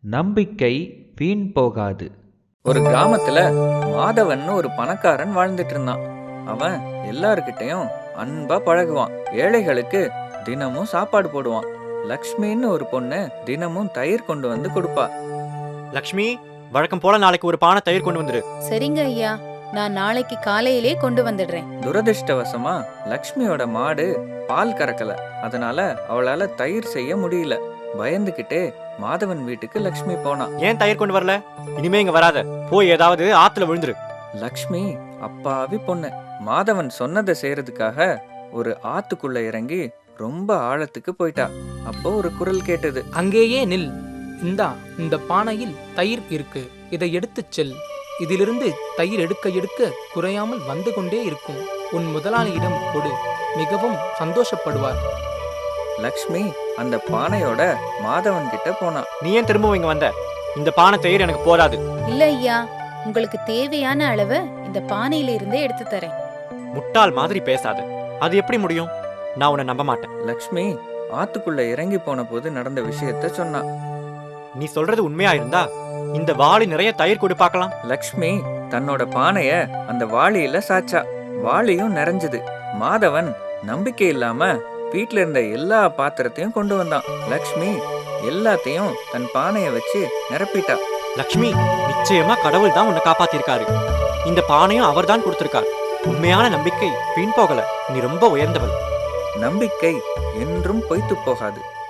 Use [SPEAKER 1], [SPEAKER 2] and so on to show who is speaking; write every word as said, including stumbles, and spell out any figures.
[SPEAKER 1] நம்பிக்கை வீண் போகாது.
[SPEAKER 2] ஒரு கிராமத்துல மாதவன் ஒரு பணக்காரன் வாழ்ந்துட்டு இருந்தான். அவன் எல்லார்கிட்டயும் அன்பா பழகுவான். ஏழைகளுக்கு தினமும் சாப்பாடு போடுவான். லக்ஷ்மின்னு ஒரு பொண்ணு தினமும் தயிர் கொண்டு வந்து கொடுப்பா.
[SPEAKER 3] லக்ஷ்மி, வழக்கம் போல நாளைக்கு ஒரு பானை தயிர் கொண்டு வந்துரு.
[SPEAKER 4] சரிங்க ஐயா, நான் நாளைக்கு காலையிலே கொண்டு வந்துடுறேன்.
[SPEAKER 2] துரதிர்ஷ்டவசமா லக்ஷ்மியோட மாடு பால் கறக்கல. அதனால அவளால தயிர் செய்ய முடியல. பயந்துகிட்டே மாதவன் வீட்டுக்கு லக்ஷ்மி போனா.
[SPEAKER 3] ஏன் தயிர் கொண்டு வரல? இனிமே இங்க வராத, போய் ஏதாவது ஆத்துல விழுந்துரு.
[SPEAKER 2] லக்ஷ்மி அப்பாவி பொண்ணு. மாதவன் சொன்னதை செய்யறதுக்காக ஒரு ஆத்துக்குள்ள இறங்கி ரொம்ப ஆழத்துக்கு போயிட்டா. அப்போ ஒரு குரல் கேட்டது.
[SPEAKER 5] அங்கேயே நில். இந்தா, இந்த பானையில் தயிர் இருக்கு, இதை எடுத்துச் செல். இதிலிருந்து தயிர் எடுக்க எடுக்க குறையாமல் வந்து கொண்டே இருக்கும். உன் முதலாளியிடம் கொடு, மிகவும் சந்தோஷப்படுவார்.
[SPEAKER 2] லக்ஷ்மி அந்த பானையோட மாதவன் கிட்ட போனா.
[SPEAKER 3] நீ ஏன் திரும்பவும் இங்க வந்த? இந்த பானை தயிர் எனக்கு போதாது.
[SPEAKER 4] இல்ல ஐயா, உங்களுக்கு தேவையான அளவு இந்த பானையில இருந்தே எடுத்து தரேன்.
[SPEAKER 3] முட்டாள் மாதிரி பேசாத. அது எப்படி முடியும்? நான் உன்னை நம்ப மாட்டேன்.
[SPEAKER 2] லக்ஷ்மி ஆத்துக்குள்ள இறங்கி போன போது நடந்த விஷயத்த சொன்னா.
[SPEAKER 3] நீ சொல்றது உண்மையா இருந்தா இந்த வாளி நிறைய தயிர் கொடு பார்க்கலாம்.
[SPEAKER 2] லக்ஷ்மி தன்னோட பானைய அந்த வாளியில சாச்சா. வாளியும் நிறைஞ்சது. மாதவன் நம்பிக்கை இல்லாம வீட்டுல இருந்த எல்லா பாத்திரத்தையும் கொண்டு வந்தான். லக்ஷ்மி எல்லாத்தையும் தன் பானைய வச்சு நிரப்பிட்டா.
[SPEAKER 3] லக்ஷ்மி, நிச்சயமா கடவுள் தான் உன்னை காப்பாத்திருக்காரு. இந்த பானையும் அவர் தான் கொடுத்திருக்கார். உண்மையான நம்பிக்கை வீண் போகல. நீ ரொம்ப உயர்ந்தவள்.
[SPEAKER 2] நம்பிக்கை என்றும் பொய்த்து போகாது.